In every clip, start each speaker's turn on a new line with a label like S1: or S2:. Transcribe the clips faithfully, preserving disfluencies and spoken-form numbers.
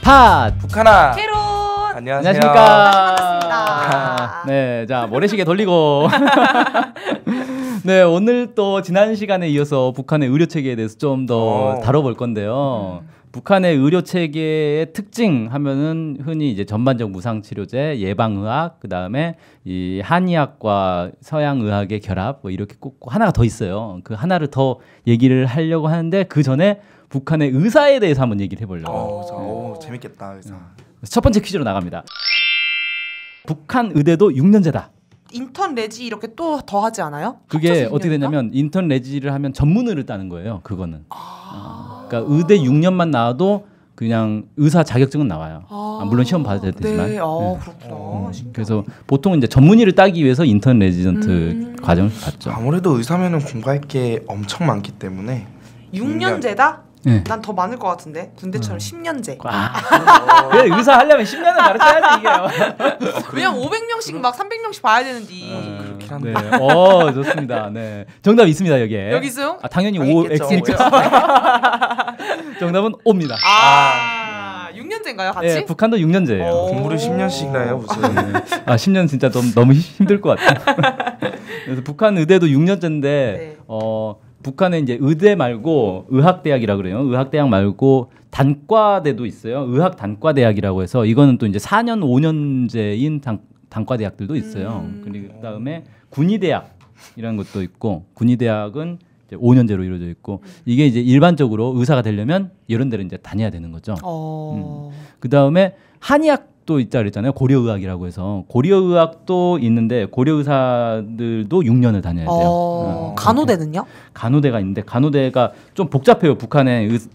S1: 팟
S2: 북하나
S3: 캐론
S2: 안녕하세요.
S1: 안녕하십니까.
S3: 반갑습니다.
S1: 네, 자 모래시계 돌리고 네 오늘 또 지난 시간에 이어서 북한의 의료 체계에 대해서 좀 더 다뤄볼 건데요. 음. 북한의 의료 체계의 특징 하면은 흔히 이제 전반적 무상 치료제, 예방의학, 그 다음에 이 한의학과 서양의학의 결합 뭐 이렇게 꼭 하나가 더 있어요. 그 하나를 더 얘기를 하려고 하는데 그 전에 북한의 의사에 대해서 한번 얘기를 해보려고.
S2: 오, 오, 재밌겠다 의사.
S1: 첫 번째 퀴즈로 나갑니다. 북한 의대도 육 년제다.
S3: 인턴 레지 이렇게 또 더 하지 않아요?
S1: 그게 어떻게 되냐면 인턴 레지를 하면 전문의를 따는 거예요. 그거는. 아... 그러니까 의대 육 년만 나와도 그냥 의사 자격증은 나와요. 아... 아, 물론 시험 받아야 되지만.
S3: 네, 아, 네. 그렇구나.
S1: 음, 그래서 보통 이제 전문의를 따기 위해서 인턴 레지던트 음... 과정을 받죠.
S2: 아무래도 의사면은 공부할 게 엄청 많기 때문에
S3: 육 년제다?
S1: 네.
S3: 난 더 많을 것 같은데 군대처럼 음. 십 년제.
S1: 아. 그래 의사 하려면 십 년을 가르쳐야지 이게요.
S3: 왜냐면 오백 명씩 막 삼백 명씩 봐야 되는데.
S1: 어, 그렇긴 한데. 네. 어 좋습니다. 네. 정답 있습니다 여기에.
S3: 여기 있어요?
S1: 아, 당연히 오 X니까. 정답은 O입니다.
S3: 아, 아. 육 년제인가요 같이?
S1: 네, 북한도 육 년제예요.
S2: 공부를 십 년씩 나요 무슨.
S1: 네. 아 십 년 진짜 좀 너무 힘들 것 같아요. 그래서 북한 의대도 육 년제인데 네. 어. 북한에 이제 의대 말고 의학대학이라 그래요. 의학대학 말고 단과대도 있어요. 의학 단과대학이라고 해서 이거는 또 이제 사 년 오 년제인 단, 단과대학들도 있어요. 음. 그리고 그다음에 군의대학이라는 것도 있고 군의대학은 이제 오 년제로 이루어져 있고 이게 이제 일반적으로 의사가 되려면 이런 데를 이제 다녀야 되는 거죠.
S3: 어.
S1: 음. 그다음에 한의학 또 있다 그랬잖아요. 고려의학이라고 해서 고려의학도 있는데 고려의사들도 육 년을 다녀야 돼요.
S3: 어... 어. 간호대는요?
S1: 간호대가 있는데 간호대가 좀 복잡해요. 북한에 의,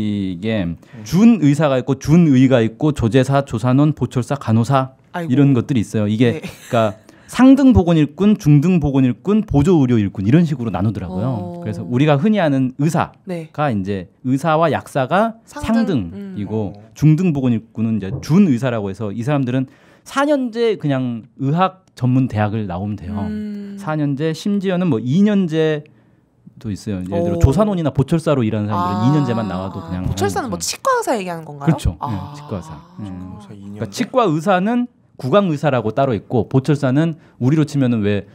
S1: 이게 준의사가 있고 준의가 있고 조제사, 조산원, 보철사, 간호사 아이고. 이런 것들이 있어요. 이게 네. 그러니까 상등 보건일군, 중등 보건일군, 보조 의료 일군 이런 식으로 나누더라고요. 어... 그래서 우리가 흔히 아는 의사가 네. 이제 의사와 약사가 상등? 상등이고 음. 중등 보건일군은 이제 준의사라고 해서 이 사람들은 사 년제 그냥 의학 전문 대학을 나오면 돼요. 음. 사 년제 심지어는 뭐 이 년제도 있어요. 예를 들어 오. 조산원이나 보철사로 일하는 사람들은 아. 이 년제만 나와도 그냥
S3: 보철사는 뭐 치과 의사 얘기하는 건가요?
S1: 그렇죠. 아. 네, 치과 의사. 음. 그러니까 치과 의사는 구강 의사라고 따로 있고 보철사는 우리로 치면은 왜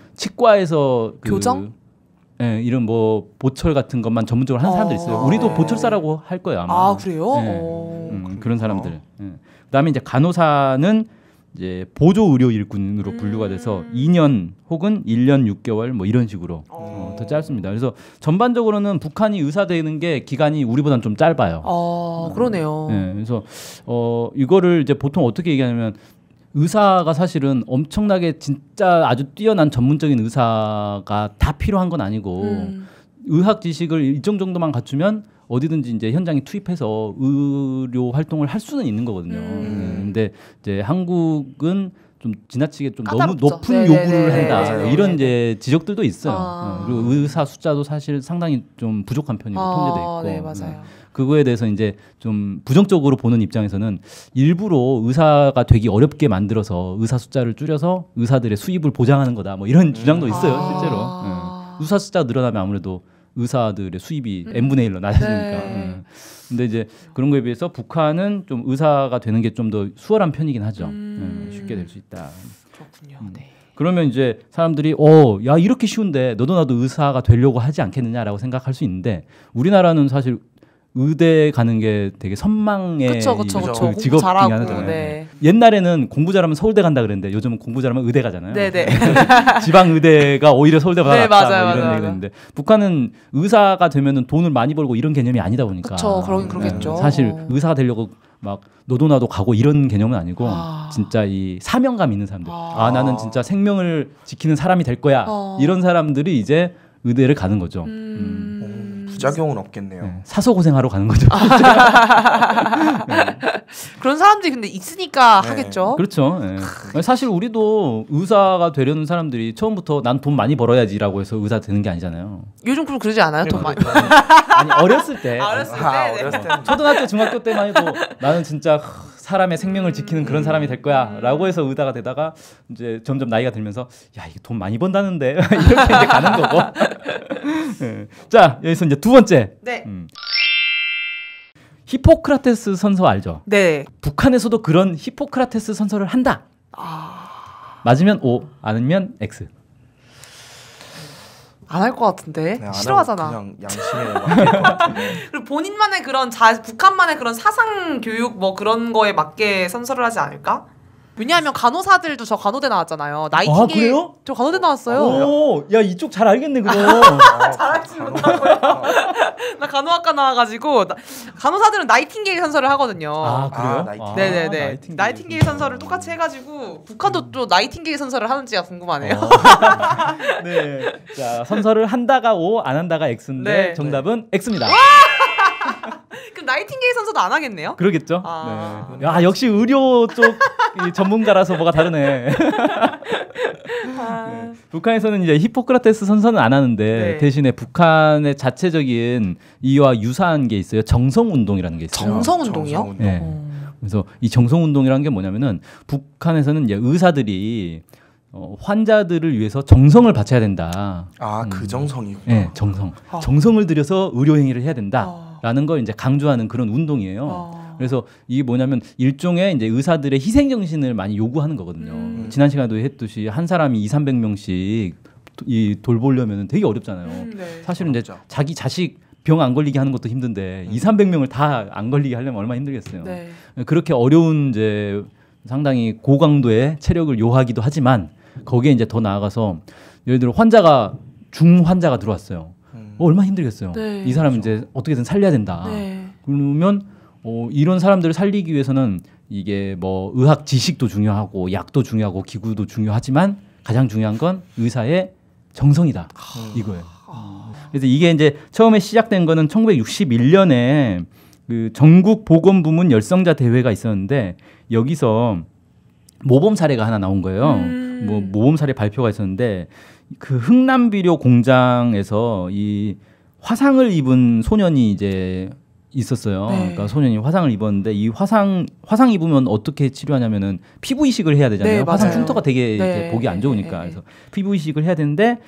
S1: 치과에서 그
S3: 교정?
S1: 예, 이런 뭐 보철 같은 것만 전문적으로 하는 사람들 있어요. 우리도 보철사라고 할 거예요 아마.
S3: 아 그래요?
S1: 예, 음, 그런 사람들. 예. 그다음에 이제 간호사는 이제 보조 의료 일꾼으로 분류가 돼서 음. 이 년 혹은 일 년 육 개월 뭐 이런 식으로 어, 더 짧습니다. 그래서 전반적으로는 북한이 의사 되는 게 기간이 우리보다는 좀 짧아요.
S3: 아 그러네요.
S1: 예, 그래서 어 이거를 이제 보통 어떻게 얘기하냐면. 의사가 사실은 엄청나게 진짜 아주 뛰어난 전문적인 의사가 다 필요한 건 아니고 음. 의학 지식을 일정 정도만 갖추면 어디든지 이제 현장에 투입해서 의료 활동을 할 수는 있는 거거든요. 음. 근데 이제 한국은 좀 지나치게 좀 까다롭죠. 너무 높은 네네네. 요구를 한다 맞아요. 이런 이제 지적들도 있어요. 아. 그리고 의사 숫자도 사실 상당히 좀 부족한 편이고 아. 통제돼 있고.
S3: 네, 맞아요.
S1: 그거에 대해서 이제 좀 부정적으로 보는 입장에서는 일부러 의사가 되기 어렵게 만들어서 의사 숫자를 줄여서 의사들의 수입을 보장하는 거다. 뭐 이런 주장도 있어요, 아. 실제로. 네. 의사 숫자가 늘어나면 아무래도 의사들의 수입이 음. 엔 분의 일로 낮아지니까. 네. 네. 근데 이제 그런 거에 비해서 북한은 좀 의사가 되는 게 좀 더 수월한 편이긴 하죠. 음. 네, 쉽게 될 수 있다.
S3: 그렇군요.
S1: 음.
S3: 네.
S1: 그러면 이제 사람들이 어, 야 이렇게 쉬운데 너도 나도 의사가 되려고 하지 않겠느냐라고 생각할 수 있는데 우리나라는 사실 의대 가는 게 되게 선망의
S3: 그쵸, 그쵸, 그쵸.
S1: 그 직업 중에 하나잖아요. 네. 옛날에는 공부 잘하면 서울대 간다 그랬는데 요즘은 공부 잘하면 의대 가잖아요.
S3: 네네.
S1: 지방 의대가 오히려 서울대 가다
S3: 네, 맞아요,
S1: 뭐 이런
S3: 맞아요.
S1: 얘기가 있는데 북한은 의사가 되면은 돈을 많이 벌고 이런 개념이 아니다 보니까.
S3: 그렇죠. 그러긴 그러겠죠.
S1: 네. 사실 의사가 되려고 막 너도 나도 가고 이런 개념은 아니고 아. 진짜 이 사명감 있는 사람들. 아. 아 나는 진짜 생명을 지키는 사람이 될 거야. 아. 이런 사람들이 이제 의대를 가는 거죠. 음.
S2: 음. 부작용은 없겠네요.
S1: 네, 사서 고생하러 가는 거죠.
S3: 네. 그런 사람들이 근데 있으니까 네. 하겠죠.
S1: 그렇죠. 네. 사실 우리도 의사가 되려는 사람들이 처음부터 난 돈 많이 벌어야지라고 해서 의사 되는 게 아니잖아요.
S3: 요즘 그럼 그러지 않아요? 돈 많이.
S1: 아니 어렸을 때.
S3: 아, 어렸을 때.
S2: 아, 어렸을 때.
S1: 초등학교, 중학교 때만 해도 나는 진짜 사람의 생명을 지키는 그런 사람이 될 거야라고 해서 의사가 되다가 이제 점점 나이가 들면서 야 이게 돈 많이 번다는데 이렇게 이제 가는 거고. 네. 자 여기서 이제 두 번째.
S3: 네.
S1: 음. 히포크라테스 선서 알죠?
S3: 네.
S1: 북한에서도 그런 히포크라테스 선서를 한다.
S3: 아...
S1: 맞으면 O, 아니면 X.
S3: 안 할 것 같은데
S2: 네, 안
S3: 싫어하잖아.
S2: 하고 그냥 양심에 맡길 것 같은데.
S3: 그리고 본인만의 그런 자 북한만의 그런 사상 교육 뭐 그런 거에 맞게 선서를 하지 않을까? 왜냐하면 간호사들도 저 간호대 나왔잖아요. 나이팅게일.
S1: 아, 그래요?
S3: 저 간호대 나왔어요.
S1: 오, 야 이쪽 잘 알겠네 그거.
S3: 잘하지 못하고요. 나 간호학과 나와가지고 나, 간호사들은 나이팅게일 선서를 하거든요.
S1: 아 그래요?
S2: 아, 나이팅게일.
S3: 네네네.
S1: 나이팅게일,
S3: 나이팅게일 선서를 똑같이 해가지고 북한도 또 나이팅게일 선서를 하는지가 궁금하네요.
S1: 어. 네. 자 선서를 한다가 O, 안 한다가 X인데
S3: 네.
S1: 정답은 X입니다.
S3: 그럼 나이팅게일 선서도 안 하겠네요?
S1: 그러겠죠?
S3: 아.
S1: 네. 야 역시 의료 쪽 이 전문가라서 뭐가 다르네.
S3: 아.
S1: 네. 북한에서는 이제 히포크라테스 선서는 안 하는데
S3: 네.
S1: 대신에 북한의 자체적인 이와 유사한 게 있어요. 정성 운동이라는 게 있어요.
S3: 정성 운동이요?
S2: 정성 운동.
S1: 네.
S3: 어.
S1: 그래서 이 정성 운동이라는 게 뭐냐면은 북한에서는 이제 의사들이 어, 환자들을 위해서 정성을 바쳐야 된다.
S2: 아,
S1: 음.
S2: 그 정성이구나.
S1: 네, 정성.
S3: 아.
S1: 정성을 들여서 의료 행위를 해야
S3: 아.
S1: 된다라는 걸 이제 강조하는 그런 운동이에요.
S3: 아.
S1: 그래서 이게 뭐냐면 일종의 이제 의사들의 희생 정신을 많이 요구하는 거거든요.
S3: 음.
S1: 지난 시간에도 했듯이 한 사람이 이삼백 명씩 이 돌보려면 되게 어렵잖아요.
S3: 음, 네.
S1: 사실은 이제
S2: 어렵죠.
S1: 자기 자식 병 안 걸리게 하는 것도 힘든데
S2: 음.
S1: 이삼백 명을 다 안 걸리게 하려면 얼마나 힘들겠어요.
S3: 네.
S1: 그렇게 어려운 이제 상당히 고강도의 체력을 요하기도 하지만 거기에 이제 더 나아가서 예를 들어 환자가 중 환자가 들어왔어요.
S2: 음.
S1: 어, 얼마나 힘들겠어요.
S3: 네.
S1: 이 사람 이제 어떻게든 살려야 된다.
S3: 네.
S1: 그러면 어, 이런 사람들을 살리기 위해서는 이게 뭐 의학 지식도 중요하고 약도 중요하고 기구도 중요하지만 가장 중요한 건 의사의 정성이다 이거예요. 그래서 이게 이제 처음에 시작된 거는 천구백육십일 년에 그 전국 보건부문 열성자 대회가 있었는데 여기서 모범 사례가 하나 나온 거예요.
S3: 음.
S1: 뭐 모범 사례 발표가 있었는데 그 흥남비료 공장에서 이 화상을 입은 소년이 이제 있었어요.
S3: 네.
S1: 그러니까 소년이 화상을 입었는데 이 화상 화상 입으면 어떻게 치료하냐면은 피부 이식을 해야 되잖아요.
S3: 네,
S1: 화상
S3: 맞아요.
S1: 흉터가 되게
S3: 네.
S1: 이렇게 보기 안 좋으니까
S3: 네, 네,
S1: 그래서 피부 이식을 해야 되는데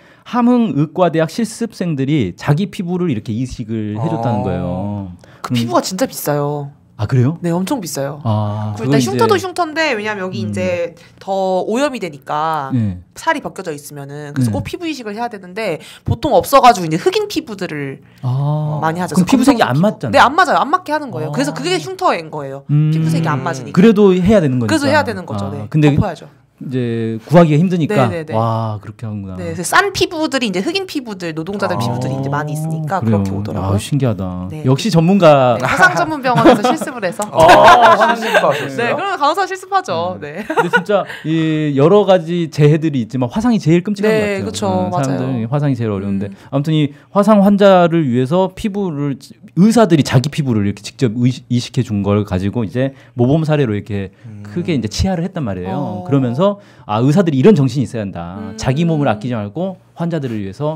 S1: 함흥의과대학 실습생들이 자기 피부를 이렇게 이식을 해줬다는
S2: 아.
S1: 거예요.
S3: 그
S1: 음.
S3: 피부가 진짜 비싸요.
S1: 아 그래요?
S3: 네, 엄청 비싸요.
S1: 아
S3: 일단
S1: 그건
S3: 흉터도
S1: 이제-
S3: 흉터인데 왜냐면 여기
S1: 음.
S3: 이제 더 오염이 되니까
S1: 네.
S3: 살이 벗겨져 있으면은 그래서
S1: 네.
S3: 꼭 피부 이식을 해야 되는데 보통 없어가지고 이제 흑인 피부들을
S1: 아.
S3: 많이 하죠.
S1: 그럼 피부색이
S3: 검정색
S1: 안
S3: 피부.
S1: 맞잖아요.
S3: 네, 안 맞아요. 안 맞게 하는 거예요.
S1: 아.
S3: 그래서 그게 흉터인 거예요.
S1: 음.
S3: 피부색이 안 맞으니까.
S1: 그래도 해야 되는 거니까.
S3: 그래서 해야 되는 거죠.
S1: 아,
S3: 네.
S1: 근데
S3: 덮어야죠.
S1: 이제 구하기가 힘드니까
S3: 네네네.
S1: 와 그렇게 하는구나.
S3: 네, 그래서 싼 피부들이 이제 흑인 피부들, 노동자들
S2: 아.
S3: 피부들이 이제 많이 있으니까
S1: 그래요.
S3: 그렇게 오더라고요.
S1: 아, 신기하다.
S3: 네.
S1: 역시 전문가.
S3: 네, 화상 전문 병원에서 실습을 해서.
S2: 아, 화장실도 하셨어요?
S3: 네, 그러면 간호사 실습하죠. 네.
S1: 근데 진짜 이 여러 가지 재해들이 있지만 화상이 제일 끔찍한
S3: 네,
S1: 것 같아요.
S3: 그쵸.
S1: 음, 사람들은
S3: 맞아요.
S1: 화상이 제일 어려운데
S3: 음.
S1: 아무튼 이 화상 환자를 위해서 피부를 의사들이 자기 피부를 이렇게 직접 의- 이식해 준 걸 가지고 이제 모범 사례로 이렇게
S2: 음.
S1: 크게 이제 치하를 했단 말이에요.
S3: 어.
S1: 그러면서 아 의사들이 이런 정신이 있어야 한다.
S3: 음.
S1: 자기 몸을 아끼지 말고 환자들을 위해서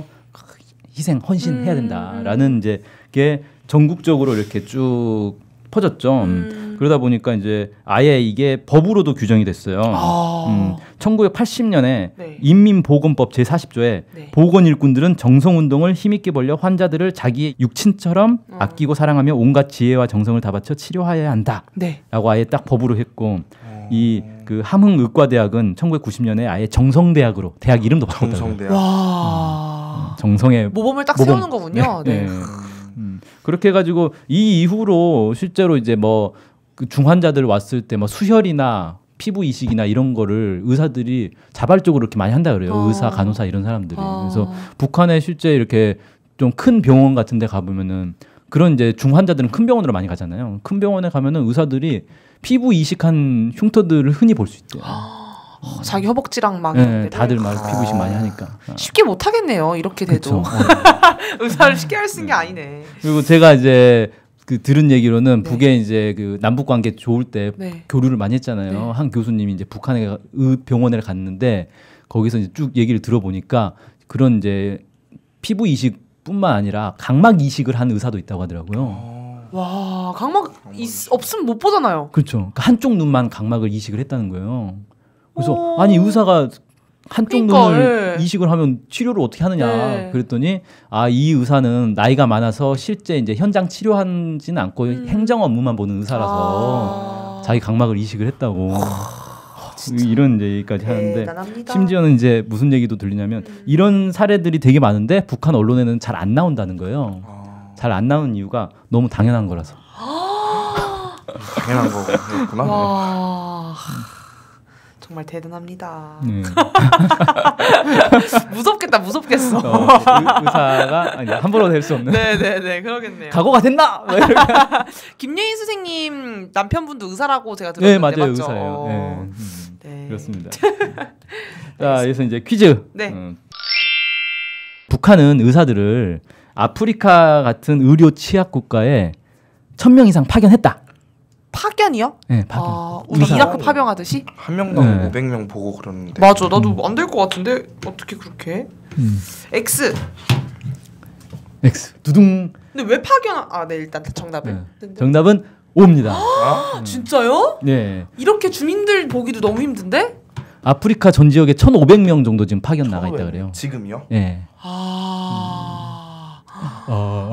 S1: 희생 헌신해야
S3: 음.
S1: 된다라는 이제 게 전국적으로 이렇게 쭉 퍼졌죠.
S3: 음.
S1: 그러다 보니까 이제 아예 이게 법으로도 규정이 됐어요.
S3: 아.
S1: 음, 천구백팔십 년에
S3: 네.
S1: 인민보건법 제사십 조에
S3: 네.
S1: 보건일꾼들은 정성운동을 힘있게 벌려 환자들을 자기의 육친처럼
S3: 음.
S1: 아끼고 사랑하며 온갖 지혜와 정성을 다 바쳐 치료하여야 한다라고
S3: 네.
S1: 아예 딱 법으로 했고
S2: 어.
S1: 이 그 함흥의과대학은 천구백구십 년에 아예 정성대학으로 대학 이름도 바꿨다고요.
S2: 정성대학.
S3: 와.
S1: 정성의
S3: 모범을 딱
S1: 모범.
S3: 세우는 거군요. 네.
S1: 네. 음, 그렇게 해가지고 이 이후로 실제로 이제 뭐 그 중환자들 왔을 때 뭐 수혈이나 피부 이식이나 이런 거를 의사들이 자발적으로 이렇게 많이 한다 그래요.
S3: 어.
S1: 의사, 간호사 이런 사람들이.
S3: 어.
S1: 그래서 북한에 실제 이렇게 좀 큰 병원 같은 데 가보면은 그런 이제 중환자들은 큰 병원으로 많이 가잖아요. 큰 병원에 가면은 의사들이 피부 이식한 흉터들을 흔히 볼 수 있대요.
S3: 어, 자기 허벅지랑 막
S1: 네,
S3: 이런
S1: 다들
S3: 데를.
S1: 막 피부 이식 많이 하니까. 아,
S3: 쉽게 못 하겠네요. 이렇게
S1: 그쵸.
S3: 돼도
S1: 어.
S3: 의사를 쉽게 할 수 있는 게 아니네.
S1: 그리고 제가 이제 그 들은 얘기로는
S3: 네.
S1: 북에 이제 그 남북 관계 좋을 때
S3: 네.
S1: 교류를 많이 했잖아요.
S3: 네.
S1: 한 교수님이 이제 북한에 가- 의 병원에 갔는데 거기서 이제 쭉 얘기를 들어보니까 그런 이제 피부 이식뿐만 아니라 각막 이식을 한 의사도 있다고 하더라고요.
S2: 어.
S3: 와, 각막 있, 없으면 못 보잖아요.
S1: 그렇죠. 그러니까 한쪽 눈만 각막을 이식을 했다는 거예요. 그래서
S3: 오.
S1: 아니 의사가 한쪽
S3: 그러니까,
S1: 눈을
S3: 네.
S1: 이식을 하면 치료를 어떻게 하느냐
S3: 네.
S1: 그랬더니 아, 이 의사는 나이가 많아서 실제 이제 현장 치료하지는 않고
S3: 음.
S1: 행정 업무만 보는 의사라서
S3: 아.
S1: 자기 각막을 이식을 했다고 이런 얘기까지 하는데
S3: 대단합니다.
S1: 심지어는 이제 무슨 얘기도 들리냐면
S3: 음.
S1: 이런 사례들이 되게 많은데 북한 언론에는 잘 안 나온다는 거예요.
S2: 아,
S1: 잘 안 나오는 이유가 너무 당연한 거라서.
S2: 당연한 거구나.
S3: 와 정말 대단합니다.
S1: 네.
S3: 무섭겠다 무섭겠어.
S1: 어, 의, 의사가 아니 함부로 될 수 없는.
S3: 네네네 그러겠네요.
S1: 각오가 됐나? 막 이렇게.
S3: 김예인 선생님 남편분도 의사라고 제가
S1: 네,
S3: 들었는데
S1: 맞아요,
S3: 맞죠?
S1: 의사예요.
S3: 어.
S1: 네. 음,
S3: 네.
S1: 그렇습니다. 자, 그래서 이제 퀴즈.
S3: 네.
S1: 음. 북한은 의사들을 아프리카 같은 의료 취약 국가에 천 명 이상 파견했다.
S3: 파견이요?
S1: 네, 파견.
S3: 아, 우리
S1: 의사.
S3: 이라크 파병하듯이?
S2: 한 명당
S1: 네.
S2: 오백 명 보고 그러는데.
S3: 맞아 나도 안 될 것 같은데 어떻게 그렇게 해?
S1: 음.
S3: X
S1: X. 두둥.
S3: 근데 왜 파견 아네 일단 정답을
S1: 네. 정답은 O입니다.
S2: 아?
S3: 진짜요?
S1: 네.
S3: 이렇게 주민들 보기도 너무 힘든데?
S1: 아프리카 전 지역에 천오백 명 정도 지금 파견 나가 있다
S2: 처음에.
S1: 그래요.
S2: 지금요?
S1: 예.
S3: 아
S1: 어.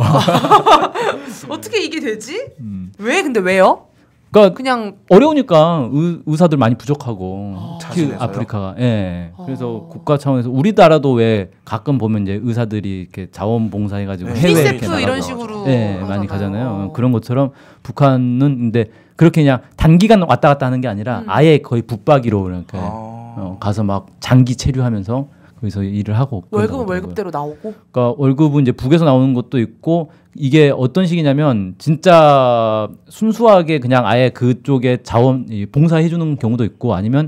S3: 어떻게 이게 되지?
S1: 음.
S3: 왜 근데 왜요?
S1: 그러니까
S3: 그냥
S1: 어려우니까 의, 의사들 많이 부족하고
S3: 아.
S1: 특히
S2: 자진해서요?
S1: 아프리카가 예.
S3: 어.
S1: 그래서 국가 차원에서 우리나라도 왜 가끔 보면 이제 의사들이 이렇게 자원봉사해 가지고
S2: 네.
S1: 해외 이렇게
S3: 유니세프
S1: 나가고
S3: 이런 식으로
S1: 예,
S3: 하잖아요.
S1: 많이 가잖아요. 그런 것처럼 북한은 근데 그렇게 그냥 단기간 왔다 갔다 하는 게 아니라
S3: 음.
S1: 아예 거의 붙박이로 이렇게
S2: 아.
S1: 어, 가서 막 장기 체류하면서 거기서 일을 하고
S3: 월급은
S1: 그런다고
S3: 월급대로 나오고
S1: 그러니까 월급은 이제 북에서 나오는 것도 있고 이게 어떤 식이냐면 진짜 순수하게 그냥 아예 그쪽에 자원 이 봉사해 주는 경우도 있고 아니면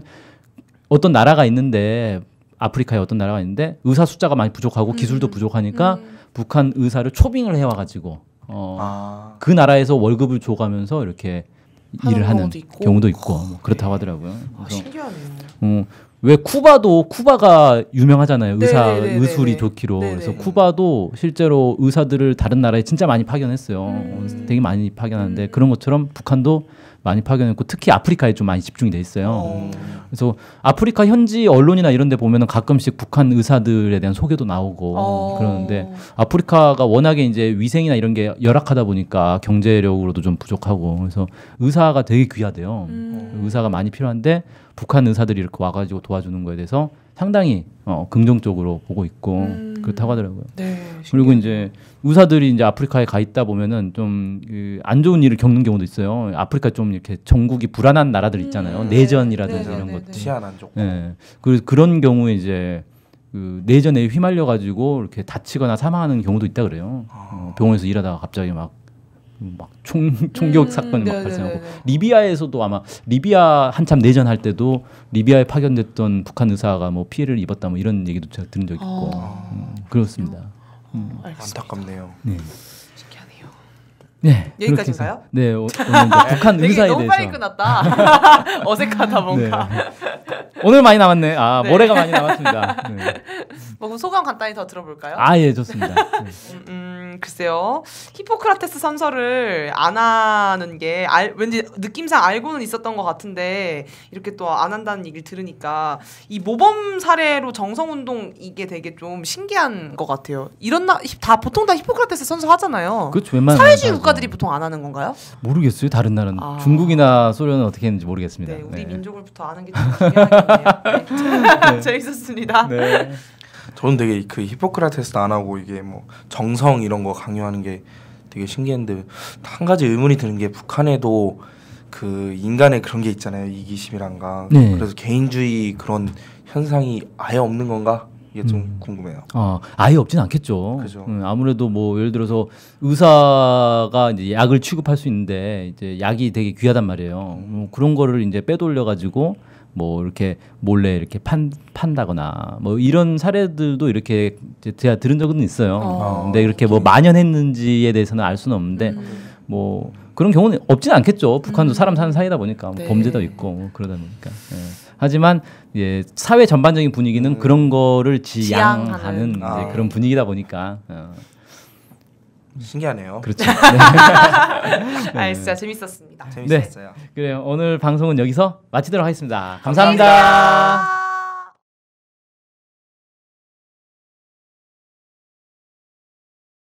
S1: 어떤 나라가 있는데 아프리카에 어떤 나라가 있는데 의사 숫자가 많이 부족하고
S3: 음.
S1: 기술도 부족하니까
S3: 음.
S1: 북한 의사를 초빙을 해와 가지고 어,
S2: 아.
S1: 그 나라에서 월급을 줘가면서 이렇게
S3: 하는
S1: 일을 하는
S3: 경우도 있고.
S1: 경우도 있고 뭐 그렇다고 하더라고요.
S3: 아,
S1: 그래서
S3: 신기하네요.
S1: 어, 왜 쿠바도 쿠바가 유명하잖아요. 의사
S3: 네네네네네.
S1: 의술이 좋기로.
S3: 네네.
S1: 그래서 쿠바도 실제로 의사들을 다른 나라에 진짜 많이 파견했어요.
S3: 음.
S1: 어, 되게 많이 파견하는데
S3: 음.
S1: 그런 것처럼 북한도 많이 파견했고 특히 아프리카에 좀 많이 집중이 돼 있어요.
S3: 어.
S1: 그래서 아프리카 현지 언론이나 이런 데 보면은 가끔씩 북한 의사들에 대한 소개도 나오고
S3: 어.
S1: 그러는데 아프리카가 워낙에 이제 위생이나 이런 게 열악하다 보니까 경제력으로도 좀 부족하고 그래서 의사가 되게 귀하대요.
S3: 음.
S1: 의사가 많이 필요한데 북한 의사들이 이렇게 와가지고 도와주는 거에 대해서 상당히 어, 긍정적으로 보고 있고
S3: 음.
S1: 그렇다고 하더라고요.
S3: 네.
S1: 그리고
S3: 신기하네요.
S1: 이제 의사들이 이제 아프리카에 가 있다 보면은 좀 안 좋은 일을 겪는 경우도 있어요. 아프리카 좀 이렇게 전국이 불안한 나라들 있잖아요.
S3: 음.
S1: 내전이라든지
S3: 네,
S1: 이런
S3: 네, 네,
S1: 것들.
S3: 네.
S2: 치안 안 좋고.
S1: 예. 그래서 그런 경우에 이제 그 내전에 휘말려 가지고 이렇게 다치거나 사망하는 경우도 있다 그래요. 어, 병원에서 일하다가 갑자기 막 막 총 총격
S3: 음,
S1: 사건이 막
S3: 네네네네.
S1: 발생하고 리비아에서도 아마 리비아 한참 내전할 때도 리비아에 파견됐던 북한 의사가 뭐 피해를 입었다 뭐 이런 얘기도 제가 들은 적이 있고
S3: 아.
S1: 음, 그렇습니다. 음.
S3: 알겠습니다.
S2: 안타깝네요.
S1: 네.
S3: 신기하네요.
S1: 네.
S3: 여기까지인가요?
S1: 그렇게 해서- 네. 오, 오늘 이제 북한
S3: 되게
S1: 의사에
S3: 너무
S1: 대해서
S3: 빨리 끝났다. 어색하다 뭔가.
S1: 네. 오늘 많이 남았네. 아
S3: 네.
S1: 모레가 많이 남았습니다. 네.
S3: 뭐 그럼 소감 간단히 더 들어볼까요?
S1: 아 예 좋습니다. 네.
S3: 음, 음, 글쎄요. 히포크라테스 선서를 안 하는 게 알, 왠지 느낌상 알고는 있었던 것 같은데 이렇게 또 안 한다는 얘기를 들으니까 이 모범 사례로 정성운동 이게 되게 좀 신기한 것 같아요. 이런 나, 히- 다 보통 다 히포크라테스 선서 하잖아요.
S1: 그렇죠. 웬만한
S3: 사회주의
S1: 나라도.
S3: 국가들이 보통 안 하는 건가요?
S1: 모르겠어요. 다른 나라는
S3: 아.
S1: 중국이나 소련은 어떻게 했는지 모르겠습니다.
S3: 네, 우리
S1: 네.
S3: 민족을부터 아는 게 좀 중요하겠네요. 네. 재밌었습니다.
S1: 네.
S2: 저는 되게 그 히포크라테스 안 하고 이게 뭐 정성 이런 거 강요하는 게 되게 신기했는데 한 가지 의문이 드는 게 북한에도 그 인간의 그런 게 있잖아요. 이기심이란가.
S1: 네.
S2: 그래서 개인주의 그런 현상이 아예 없는 건가? 이게 좀
S1: 음.
S2: 궁금해요.
S1: 어, 아예 없진 않겠죠.
S2: 그죠.
S1: 음, 아무래도 뭐 예를 들어서 의사가 이제 약을 취급할 수 있는데 이제 약이 되게 귀하단 말이에요. 뭐 그런 거를 이제 빼돌려 가지고 뭐 이렇게 몰래 이렇게 판 판다거나 뭐 이런 사례들도 이렇게 이제 제가 들은 적은 있어요.
S3: 어.
S1: 근데 이렇게 뭐 만연했는지에 대해서는 알 수는 없는데
S3: 음.
S1: 뭐 그런 경우는 없진 않겠죠. 북한도
S3: 음.
S1: 사람 사는 사이다 보니까 뭐
S3: 네.
S1: 범죄도 있고 뭐 그러다 보니까. 예. 하지만 예, 사회 전반적인 분위기는
S2: 음.
S1: 그런 거를 지양하는
S3: 지양하는.
S1: 이제
S2: 아.
S1: 그런 분위기다 보니까 어,
S2: 신기하네요.
S1: 그렇죠. 네.
S3: 아, 진짜 재밌었습니다.
S2: 재밌었어요.
S1: 그래요. 오늘 방송은 여기서 마치도록 하겠습니다 감사합니다.
S3: 감사합니다.